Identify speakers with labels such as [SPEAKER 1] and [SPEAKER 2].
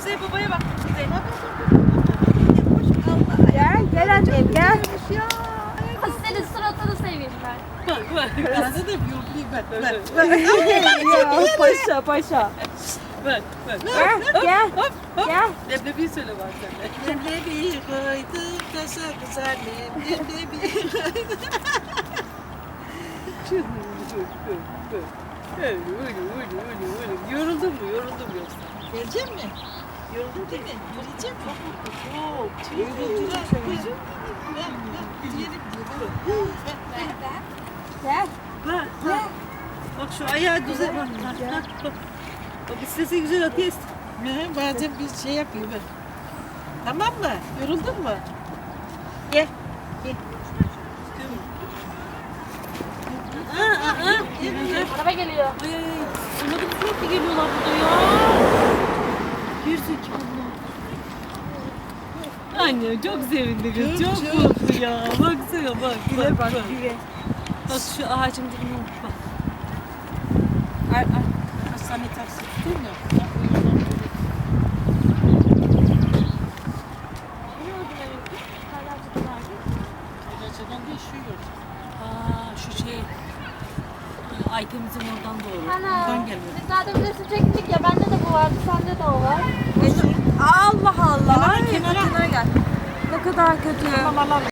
[SPEAKER 1] Kuzey babaya bak. Kuzey.
[SPEAKER 2] Gel annem gel.
[SPEAKER 3] Senin suratını seveyim ben.
[SPEAKER 1] Bak bak.
[SPEAKER 4] Arada da bir yollayayım ben.
[SPEAKER 2] Ya paşa paşa.
[SPEAKER 1] Bak bak.
[SPEAKER 2] Gel. Gel.
[SPEAKER 1] Leblebiyi söyle bak sen de.
[SPEAKER 4] Leblebi koydum taşa güzelim. Leblebi koydum.
[SPEAKER 1] Yoruldun mu? Yoruldun mu yoksa?
[SPEAKER 4] Gelecek mi? Yoruldun değil mi? Yürüyecek mi?
[SPEAKER 1] Çok.
[SPEAKER 4] Yoruldun.
[SPEAKER 2] Gel.
[SPEAKER 1] Bak bak. Bak şu ayağı düze bak. Bak bak. Bak istese güzel atıyor.
[SPEAKER 4] Bazen bir şey yapıyor ben. Tamam mı? Yoruldun mu?
[SPEAKER 1] Gel. Gel.
[SPEAKER 3] Araba geliyor.
[SPEAKER 1] Ay ay ay. Anladım sürekli geliyorlar burada ya. Gerizekalı. Anne çok sevindi kız. Çok mutlu ya. Baksana bak.
[SPEAKER 2] Güle bak güle.
[SPEAKER 1] Bak şu ağacın dibine bak.
[SPEAKER 4] Hastane taksi değil mi? Gerçekten değişiyor.
[SPEAKER 1] Aa şu şey. Aytemizin oradan doğru.
[SPEAKER 3] Ana.
[SPEAKER 1] Oradan gelmedi.
[SPEAKER 3] Biz zaten bilirsin çektik ya. Bende de bu vardı. Sende de o var.
[SPEAKER 2] Allah Allah.
[SPEAKER 4] Kenara, kenara.
[SPEAKER 2] Kenara gel. Ne kadar kötü.
[SPEAKER 4] Tamam alalım.